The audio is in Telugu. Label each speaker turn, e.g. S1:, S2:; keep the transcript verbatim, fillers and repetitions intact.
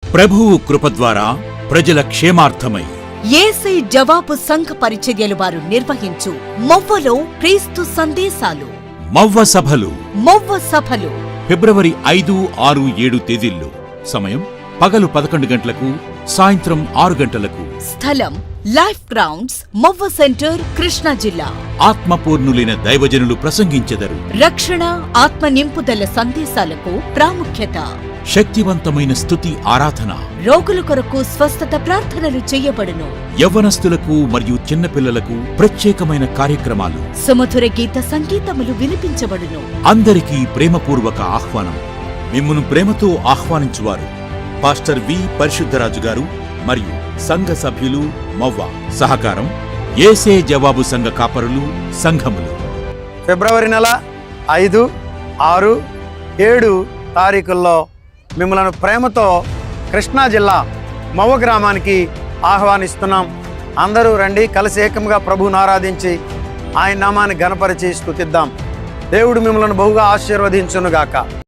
S1: ప్రభువు కృప ద్వారా ప్రజల క్షేమార్థమై
S2: యేసే జవాబు సంఘ పరిచర్యలు వారు నిర్వహించు మొవ్వలో క్రీస్తు సందేశాలు,
S1: మవ్వ సభలు
S2: మొవ్వ సభలు
S1: ఫిబ్రవరి ఐదు ఆరు ఏడు తేదీల్లో. సమయం పగలు పదకొండు గంటలకు, సాయంత్రం ఆరు గంటలకు.
S2: స్థలం life grounds, Movva centre, Krishna జిల్లా.
S1: ఆత్మపూర్ణులైన దైవజనులు ప్రసంగించెదరు.
S2: రక్షణ, ఆత్మ నింపుదల సందేశాలకు ప్రాముఖ్యత.
S1: శక్తివంతమైన స్తుతి ఆరాధన.
S2: రోగుల కొరకు స్వస్థత ప్రార్థనలు చేయబడును.
S1: యవ్వనస్తులకు మరియు చిన్నపిల్లలకు ప్రత్యేకమైన కార్యక్రమాలు.
S2: సుమధుర గీత సంగీతములు వినిపించబడును.
S1: అందరికీ ప్రేమపూర్వక ఆహ్వానం. మిమ్మును ప్రేమతో ఆహ్వానించువారు పాస్టర్ వి పరిశుద్ధరాజు గారు మరియు సంఘ సభ్యులు, మవ్వ. సహకారం యేసే జవాబు సంఘ కాపరులు, సంఘములు.
S3: ఫిబ్రవరి నెల ఐదు ఆరు ఏడు తారీఖుల్లో మిమ్మల్ని ప్రేమతో కృష్ణా జిల్లా మవ్వ గ్రామానికి ఆహ్వానిస్తున్నాం. అందరూ రండి, కలిసి ఏకంగా ప్రభువును ఆరాధించి ఆయన నామాన్ని ఘనపరిచి స్తుతిద్దాం. దేవుడు మిమ్మల్ని బహుగా ఆశీర్వదించునుగాక.